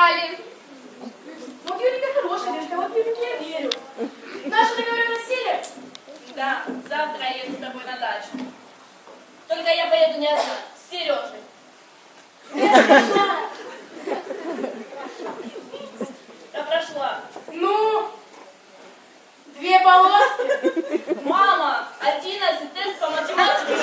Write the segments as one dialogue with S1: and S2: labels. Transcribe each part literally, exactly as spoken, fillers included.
S1: собрали?
S2: Вот Юлька хорошая, Лешка, вот Юльке я верю. Наши договоренность сели?
S1: Да, завтра я еду с тобой на дачу. Только я поеду не одна, с Сережей. Я прошла.
S2: Ну, две полоски.
S1: Мама, одиннадцать тест по математике.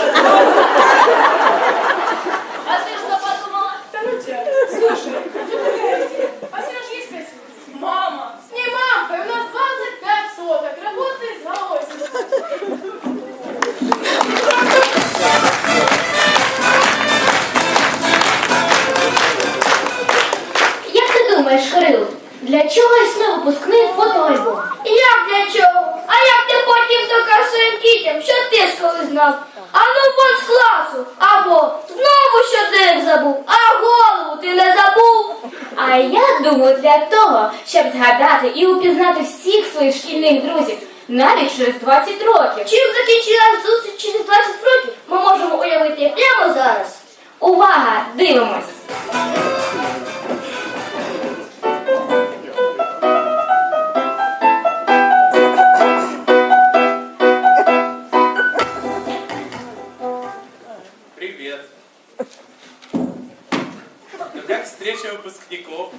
S1: А ты что подумала?
S2: Да ну тебя. Слушай, что такая идея? А Сереж есть красивый?
S1: Мама.
S2: Не мамка, у нас двадцать пять соток, работает за осень.
S3: Як ти думаєш, Кирило, для чого існує випускний фотоальбом?
S4: Як для чого? А як ти потім докажеш своїм дітям, що ти ж коли знав? А ну вон з класу, або знову щоденник забув, а голову ти не забув?
S3: А я думаю, для того, щоб згадати і упізнати всіх своїх шкільних друзів, навіть через двадцять років.
S4: Чим закінчилась зустріч через двадцять років, ми можемо уявити прямо зараз.
S3: Увага, дивимось!
S5: Привет. Ну как встреча выпускников?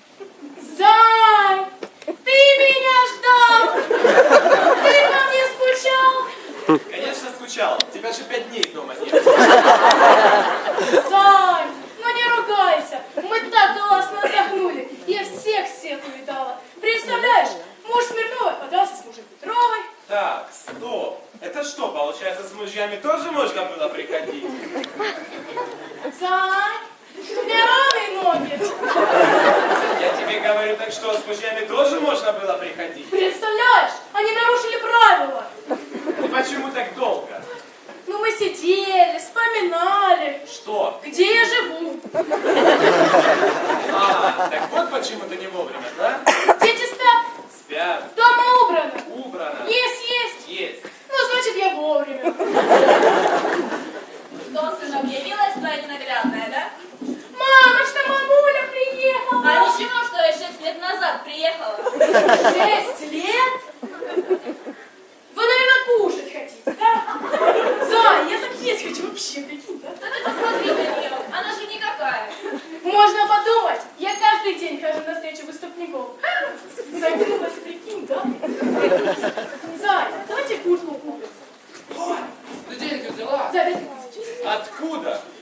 S2: Зай, ты меня ждал? Ты по мне скучал?
S5: Конечно, скучал. Тебя же пять дней дома нет.
S2: Зай, ну не ругайся. Мы так классно отдохнули. Я всех всех увидала. Представляешь, муж Смирновой подался с мужем Петровой.
S5: Так, стоп. Это что, получается, с мужьями тоже можно было приходить?
S2: Зай, мне ровные ноги.
S5: Я тебе говорю, так что, с мужьями тоже можно было приходить?
S2: Представляешь, они нарушили правила.
S5: И почему так долго?
S2: Ну мы сидели, вспоминали,
S5: Что?
S2: где я живу.
S5: А, так вот почему ты не вовремя, да?
S2: Дети спят,
S5: Спят.
S2: дома убрано.
S5: Убрано.
S2: Есть, есть.
S5: Есть.
S2: Ну, значит, я вовремя.
S1: Что, сынок, явилась твоя ненаглядная, да?
S2: Мамочка, мамуля приехала.
S1: А ничего, что я шесть лет назад приехала.
S2: Шесть лет? Вы, наверное, кушать хотите, да? Зай, я так есть хочу вообще, прикинь, да?
S1: Да ты посмотри на нее, она же никакая.
S2: Можно подумать, я каждый день хожу на встречу выпускников. Загнулась, прикинь, да? Зай, давайте куклу купим.
S5: Ой, ты деньги взяла?
S2: За пять тысяч.
S5: Откуда?